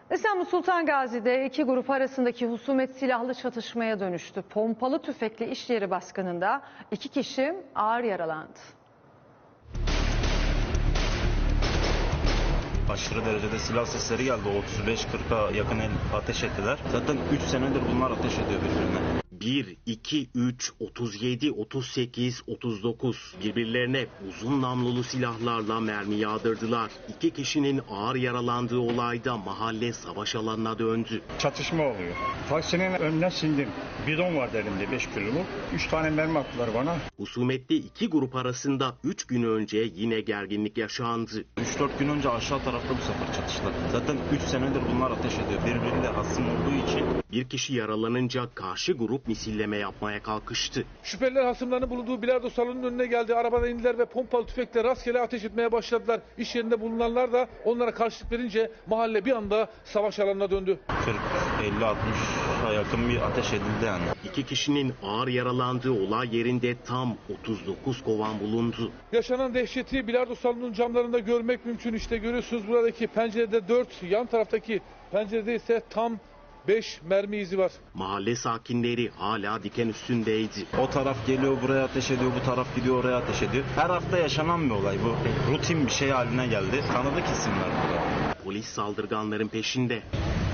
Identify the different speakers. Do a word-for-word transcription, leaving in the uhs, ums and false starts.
Speaker 1: İstanbul Sultan Gazi'de iki grup arasındaki husumet silahlı çatışmaya dönüştü. Pompalı tüfekli iş yeri baskınında iki kişi ağır yaralandı.
Speaker 2: Aşırı derecede silah sesleri geldi. otuz beş kırka yakın el ateş ettiler. Zaten üç senedir bunlar ateş ediyor birbirine.
Speaker 3: bir, iki, üç, otuz yedi, otuz sekiz, otuz dokuz birbirlerine uzun namlulu silahlarla mermi yağdırdılar. İki kişinin ağır yaralandığı olayda mahalle savaş alanına döndü.
Speaker 4: Çatışma oluyor. Taksinin önüne sindim. Bidon vardı elimde beş kiloluk. üç tane mermi attılar bana.
Speaker 3: Husumetli iki grup arasında üç gün önce yine gerginlik yaşandı.
Speaker 2: üç dört gün önce aşağı tarafta bu sefer çatıştılar. Zaten üç senedir bunlar ateş ediyor. Birbiriyle hasım olduğu için.
Speaker 3: Bir kişi yaralanınca karşı grup misilleme yapmaya kalkıştı.
Speaker 5: Şüpheliler hasımlarının bulunduğu bilardo salonunun önüne geldi. Arabadan indiler ve pompalı tüfekle rastgele ateş etmeye başladılar. İş yerinde bulunanlar da onlara karşılık verince mahalle bir anda savaş alanına döndü.
Speaker 2: kırk elli altmışa yakın bir ateş edildi yani.
Speaker 3: İki kişinin ağır yaralandığı olay yerinde tam otuz dokuz kovan bulundu.
Speaker 5: Yaşanan dehşeti bilardo salonunun camlarında görmek mümkün. İşte görüyorsunuz buradaki pencerede dört, yan taraftaki pencerede ise tam beş mermi izi var.
Speaker 3: Mahalle sakinleri hala diken üstündeydi.
Speaker 2: O taraf geliyor buraya ateş ediyor, bu taraf gidiyor oraya ateş ediyor. Her hafta yaşanan bir olay bu. Rutin bir şey haline geldi. Tanıdık isimler burada.
Speaker 3: Polis saldırganların peşinde.